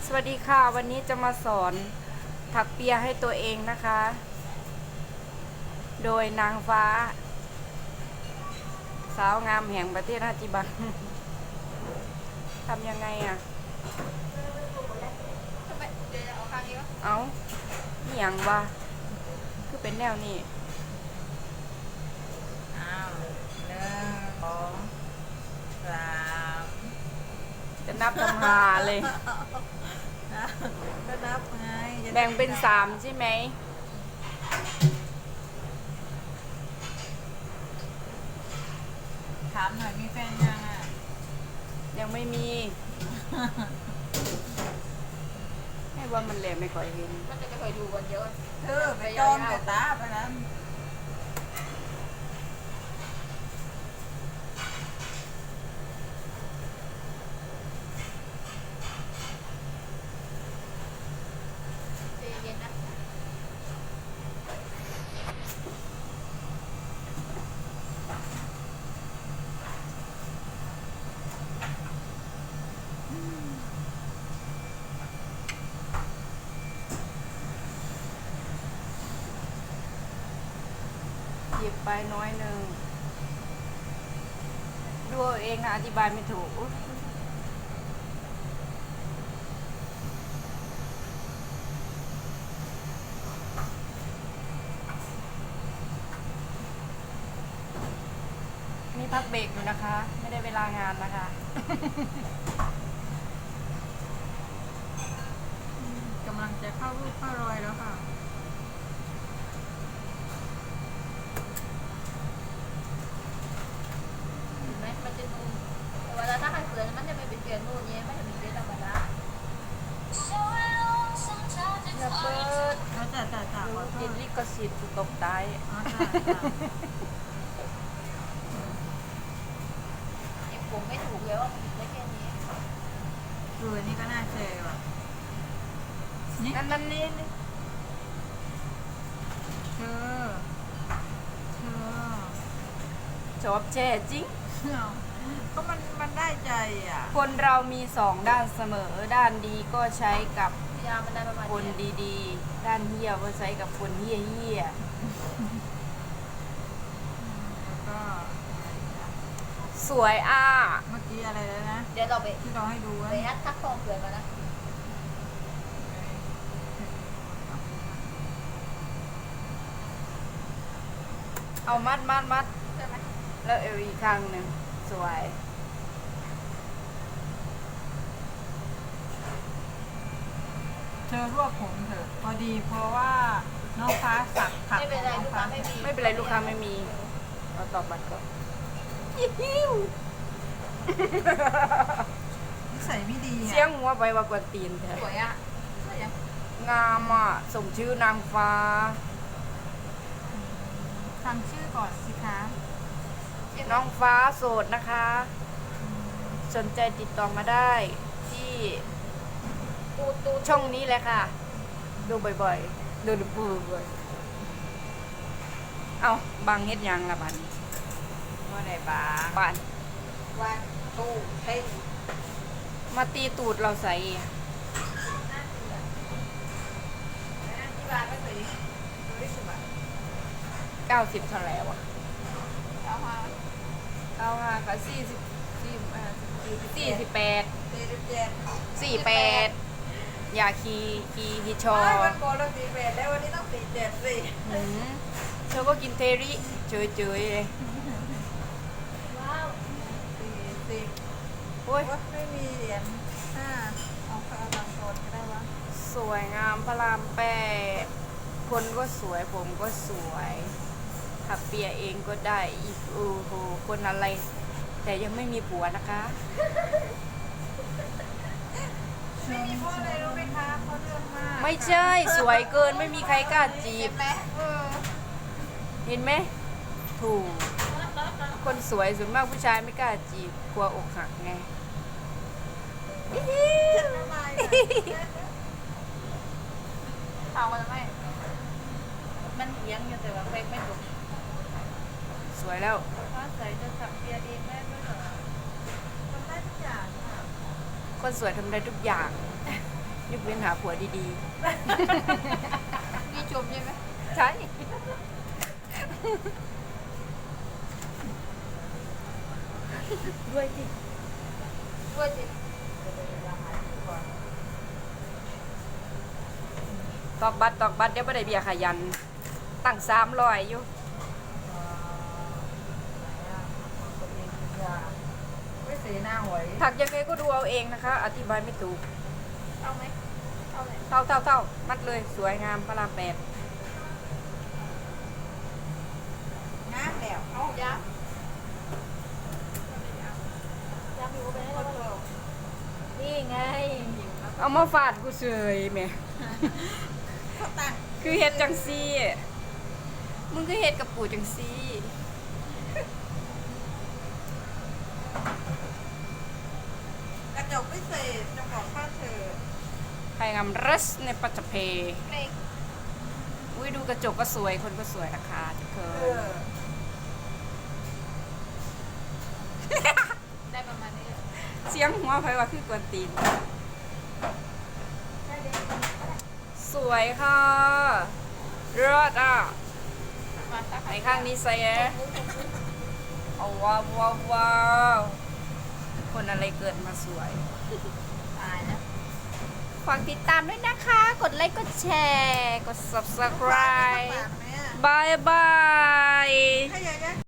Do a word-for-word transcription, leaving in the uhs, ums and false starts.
สวัสดีค่ะวันนี้จะมาสอนถักเปียให้ตัวเองนะคะ โดยนางฟ้า สาวงามแห่งประเทศฮาจิบัน ทำยังไงอ่ะทำไมเดี๋ยวเอาข้างนี้วะเอานี่ยังวะคือเป็นแนวนี้อ้าวหนึ่งสองสามจะนับทำหาเลยก็นับไงจะได้แบ่งเป็นสามใช่ไหมถามหน่อยมีแฟนยังอ่ะยังไม่มี ให้ว่ามันแหลมไม่ค่อยเห็นมันจะไม่ค่อยดูกันเยอะเธอไปจอมแต่ตาไปนั้นใจเย็นนะหยิบไปน้อยหนึ่งดูเอาเองนะอธิบายไม่ถูกอุ๊ยนี่พักเบรกอยู่นะคะ ไม่ได้เวลางานนะคะกำลังจะเข้ารูปเข้ารอยแล้วค่ะเห็นไหมมันจะนูนแต่เวลาถ้าใครเสือมันจะไม่เป็นเสือนูนเนี้ยมันจะเป็นเสือธรรมดาอย่าเปิดแล้วแต่แต่แต่ดูขอโทกิษนลิขสิทธิ์ตกตายอ๋อจ้ะจ้ะไอ้ผมไม่ถูกเลยว่ามันผิดได้แค่นี้ดูอันนี้ก็น่าเชยว่ะนี่นั่นนั่นนี่นี่เธอเธอชอบแช่จริงเอาก็มันมันได้ใจอ่ะคนเรามีสองด้านเสมอ ด้านดีก็ใช้กับพยายามมันได้ประมาณคนนี้ดีๆ ด้านเฮี้ยก็ใช้กับคนเฮี้ยเฮี้ยแล้วก็สวยอ่ะเมื่อกี้อะไรแล้วนะเดี๋ยวเราไปที่เราให้ดูว่าไปฮัดทักทองเสือมานะเอามัดมัดมัดใช่ไหมแล้วเอวอีกข้างหนึ่งสวยเธอรวบผมเถอะพอดีเพราะว่าน้องฟ้าสักถักไม่เป็นไรของลูน้กองค้าฟ้าไม่มีไม่เป็นไรลูกค้าไม่มีเราตอบบัตรก่อนยิวนิสัยไม่ดีเสียอ่ะงหัวไปว่ากวนตีนแท้สวยอ่ะสวยยังงามอ่ะสมชื่อนางฟ้าฟังชื่อก่อนสิคะน้องฟ้าโสดนะคะ สนใจติดต่อมาได้ ที่ตูดตูดช่องนี้แหละค่ะ ดูบ่อยๆ ดูดูบ่อยๆเอาบางเฮ็ดหยังละบัดนว่าไหนบ้างบานวันตูดเพ่งมาตีตูดเราใส่ที่บ้านไม่เคยดูได้สิบบาทเก้าสิบเท่าไหร่วะเอามาเก้าห้ากับสี่สิบสี่สี่สิบแปดสี่สิบเจ็ดสี่แปดอย่าคีคีฮิชอไม่วันก่อนเราสี่แปดแล้ววันนี้ต้องสี่เจ็ดสิหืมเธอก็กินเทริเฉยๆเลยว้าวสี่สิบโอ้ยว่าไม่มีเหรียญห้าเอาค่าบางคนก็ได้วะสวยงามพระรามแปดคนก็สวยผมก็สวยขับเปียเองก็ได้อีกโอ้โหคนอะไร แต่ยังไม่มีผัวนะคะไม่มีเพราะอะไรรู้ไหมคะเพราะเรื่องมากไม่ใช่สวยเกินไม่มีใครกล้าจีเจ็บบไหมเออเห็นไหมถูก คนสวยส่วนมากผู้ชายไม่กล้าจีบกลัวอกหักไงทำไมถามว่าทำไมมันเอียงอยู่แต่ว่าไม่ไม่ถูกสวยแล้วฟ้าใสจะสับเปียเองได้ด้วยเหรอทำได้ทุกอย่างค่ะคนสวยทำได้ทุกอย่างยกเว้นหาผัวดีนี่ชมใช่ไหมๆ ใช่ ด้วยสิด้วยสิตอกบัตรตอกบัตรเดี๋ยวไม่ได้เบียร์ขยัน ตั้งสามร้อยอยู่ไม่เสียหน้าหวยถักยังไงก็ดูเอาเองนะคะ อธิบายไม่ถูกเอาไหมเอาเลยเท่าเท่าเท่ามัดเลยสวยงามพระรามแปดงามแล้วเอายับยับอยู่ไปให้เราเลยนี่ไงเอามาฟาดกูเฉยแหม่เขาตั้งคือเฮ็ดจังซี่มึงก็เฮ็ดกับกูจังซี่กระจกพิเศษจะบอกค่าเธอใครงามรัสในปัจจเพเล็กอุ้ยดูกระจกก็สวยคนก็สวยนะคะทุกคเอน อได้ประมาณนี้เสียงหัวไฟว่าคือกวนตีน สวยค่ะเลิศอ่ะมาสักไหนข้างนี้ใส่แอะเอาว้าวว้าวว้าวคนอะไรเกิดมาสวยตายนะฝากติดตามด้วยนะคะ กดไลค์ กดแชร์ กด subscribe ปากแม่บายบายถ้าอยากได้